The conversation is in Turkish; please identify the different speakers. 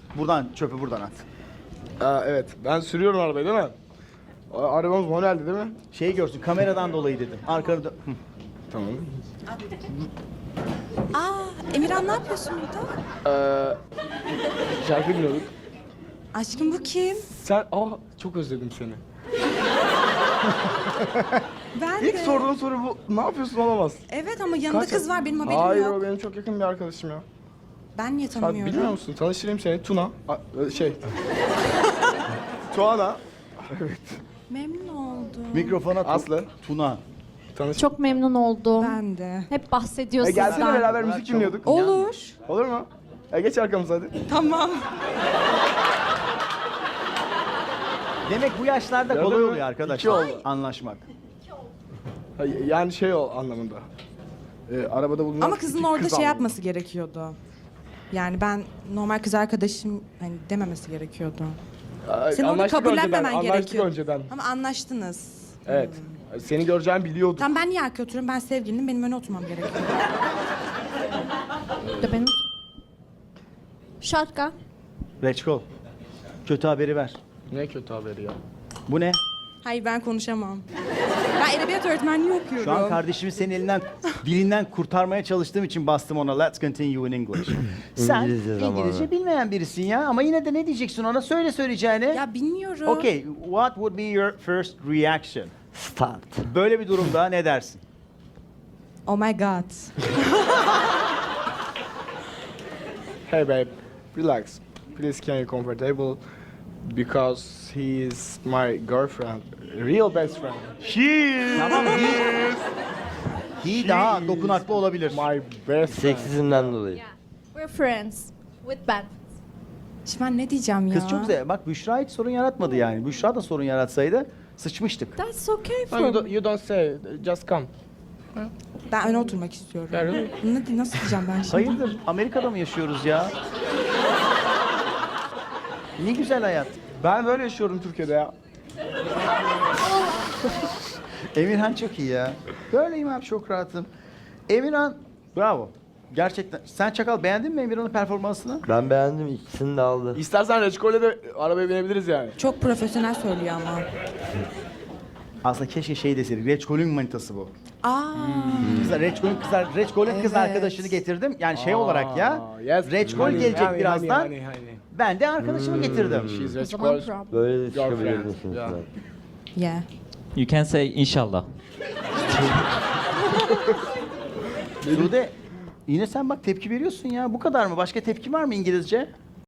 Speaker 1: Buradan çöpü buradan at.
Speaker 2: Evet, ben sürüyorum arabayı değil mi? Arabamız manueldi değil mi?
Speaker 1: Şeyi görsün, kameradan dolayı dedim. Arkada... Hı.
Speaker 2: Tamam.
Speaker 3: Emirhan ne yapıyorsun burada?
Speaker 2: Şarkı dinliyorduk.
Speaker 3: Aşkım bu kim?
Speaker 2: Sen, çok özledim seni.
Speaker 3: Ben
Speaker 2: İlk
Speaker 3: de.
Speaker 2: sorduğun soru bu. Ne yapıyorsun olamaz.
Speaker 3: Evet ama yanında
Speaker 2: Kaç-
Speaker 3: kız var benim haberim
Speaker 2: Hayır,
Speaker 3: yok.
Speaker 2: o benim çok yakın bir arkadaşım ya.
Speaker 3: Ben niye
Speaker 2: Sen
Speaker 3: tanımıyorum?
Speaker 2: bilmiyor musun? Tanıştırayım seni. Tuna. Tuana.
Speaker 3: Memnun oldum.
Speaker 1: Mikrofona
Speaker 2: Aslı.
Speaker 1: Tuna.
Speaker 2: Tanış.
Speaker 4: Çok memnun oldum.
Speaker 3: Ben de.
Speaker 4: Hep bahsediyor
Speaker 2: Gelsene
Speaker 4: sizden.
Speaker 2: beraber müzik dinliyorduk.
Speaker 3: Olur.
Speaker 2: Olur mu? Geç arkamıza hadi.
Speaker 3: Tamam.
Speaker 1: Demek bu yaşlarda
Speaker 2: Gördün
Speaker 1: kolay
Speaker 2: mü?
Speaker 1: oluyor arkadaşlar.
Speaker 2: İki oldu.
Speaker 1: Anlaşmak.
Speaker 2: Yani o anlamında. Arabada bulunan
Speaker 3: Ama kızın
Speaker 2: iki
Speaker 3: orada
Speaker 2: kız
Speaker 3: şey
Speaker 2: anlamında.
Speaker 3: yapması gerekiyordu. Yani ben kız arkadaşım hani dememesi gerekiyordu. Senin onu
Speaker 2: Anlaştık
Speaker 3: kabullenmemen
Speaker 2: önceden,
Speaker 3: gerekiyor.
Speaker 2: Anlaştık önceden.
Speaker 3: Ama anlaştınız.
Speaker 2: Evet. Seni göreceğimi biliyordum.
Speaker 3: Tamam ben niye arkaya oturuyorum? Ben sevgilinim, benim öne oturmam gerekiyor.
Speaker 4: De benim. Şarkı.
Speaker 1: Reçkol. Kötü haberi ver.
Speaker 2: Ne kötü haberi ya.
Speaker 1: Bu ne?
Speaker 3: Hayır ben konuşamam. Ben edebiyat öğretmenliği okuyorum.
Speaker 1: Şu an kardeşimi senin elinden, dilinden kurtarmaya çalıştığım için bastım ona. Let's continue in English. Sen
Speaker 5: İngilizce
Speaker 1: İngilizce
Speaker 5: zamanı.
Speaker 1: bilmeyen birisin ya. Ama yine de ne diyeceksin ona? Söyle söyleyeceğini.
Speaker 3: Ya bilmiyorum.
Speaker 1: Okay, what would be your first reaction?
Speaker 5: Start.
Speaker 1: Böyle bir durumda ne dersin?
Speaker 3: Oh my god.
Speaker 2: Hey babe, relax. Please can you comfortable? Because he is my girlfriend. Real best friend.
Speaker 1: Tamam, he daha dokunaklı olabilir.
Speaker 2: My best friend.
Speaker 5: Seksizmden dolayı.
Speaker 4: We're friends with benefits.
Speaker 3: Şimdi ben ne diyeceğim ya?
Speaker 1: Kız çok güzel. Bak Büşra hiç sorun yaratmadı yani. Büşra da sorun yaratsaydı sıçmıştık.
Speaker 4: That's okay for
Speaker 2: No, you,
Speaker 4: me.
Speaker 2: don't, you don't say, just come.
Speaker 3: Ben öne oturmak istiyorum.
Speaker 2: Yeah, really?
Speaker 3: Nasıl diyeceğim ben şimdi?
Speaker 1: Hayırdır? Amerika'da mı yaşıyoruz ya? Ne güzel hayat.
Speaker 2: Ben böyle yaşıyorum Türkiye'de ya.
Speaker 1: Emirhan çok iyi ya. Böyleyim abi, çok rahatım. Emirhan, bravo. Gerçekten. Sen Çakal beğendin mi Emirhan'ın performansını?
Speaker 5: Ben beğendim, ikisini de aldı.
Speaker 2: İstersen Reçkol'e de arabaya binebiliriz yani.
Speaker 3: Çok profesyonel söylüyor ama.
Speaker 1: Aslında keşke şey deseydik. Reçkol'ün manitası bu.
Speaker 3: Aa.
Speaker 1: Reçkol'ün kız
Speaker 3: Evet.
Speaker 1: arkadaşını getirdim. Yani şey olarak ya.
Speaker 2: Yes.
Speaker 1: Reçkol
Speaker 2: Honey,
Speaker 1: gelecek
Speaker 2: honey,
Speaker 1: birazdan.
Speaker 2: honey, honey.
Speaker 1: Ben de arkadaşımı getirdim.
Speaker 2: She's
Speaker 4: O zaman
Speaker 2: Reçkol.
Speaker 4: problem.
Speaker 5: Böyle de
Speaker 2: Girlfriend.
Speaker 5: çıkabilirsiniz.
Speaker 2: Yeah.
Speaker 3: Yeah.
Speaker 6: You can say inshallah.
Speaker 1: Sude, yine sen bak tepki veriyorsun ya. Bu kadar mı? Başka tepki var mı İngilizce?